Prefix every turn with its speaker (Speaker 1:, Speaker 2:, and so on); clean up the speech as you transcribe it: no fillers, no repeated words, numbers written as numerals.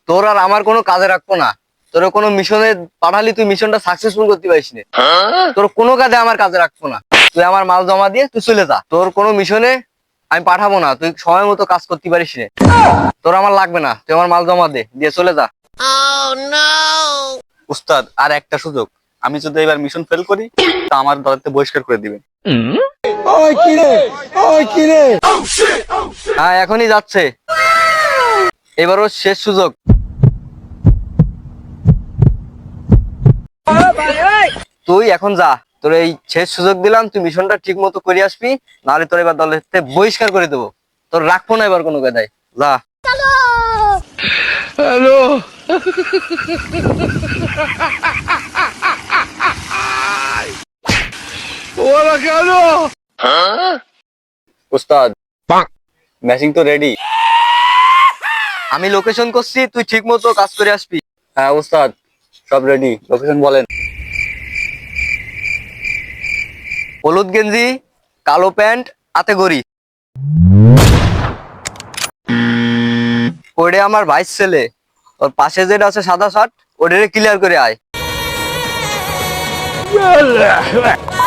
Speaker 1: তোর আর আমার কোনো কাজে রাখবো না। তোর কোনো মিশনে পাঠালি, তুই মিশনটা সাকসেসফুল করতে পারিস না। তোর কোনো কাজে আমার কাজে রাখবো না। তুই আমার মাল জমা দিয়ে তুই চলে যা। তোর কোনো মিশনে আমি পাঠাবো না, তুই সময় মতো কাজ করতে পারিস না। তোর আমার লাগবে না, তুই আমার মাল জমা দিয়ে চলে যা।
Speaker 2: উস্তাদ, আর একটা সুযোগ। আমি যদি এবার মিশন ফেল করি তা আমার দলের বহিষ্কার করে দিবেন।
Speaker 1: হ্যাঁ, এখনই যাচ্ছে। এবারও শেষ সুযোগ। তুই এখন যা, তোর এই শেষ সুযোগ দিলাম, তুই মিশনটা ঠিক মতো করে আসবি, নাহলে তোর এবার দলের থেকে বহিষ্কার করে দেবো। তোর রাখবো না এবার কোনো কায়দায়। যা।
Speaker 2: উস্তাদ, ম্যাচিং তো রেডি।
Speaker 1: আমি লোকেশন করছি, তুই ঠিক মতো কাজ করে আসবি।
Speaker 2: হ্যাঁ উস্তাদ, সব রেডি। লোকেশন বলেন।
Speaker 1: হলুদ গেঞ্জি, কালো প্যান্ট, হাতে গড়ি। ওরে আমার ভাইস ছেলে, ওর পাশে যেটা আছে সাদা শার্ট, ওটারে ক্লিয়ার করে আয়।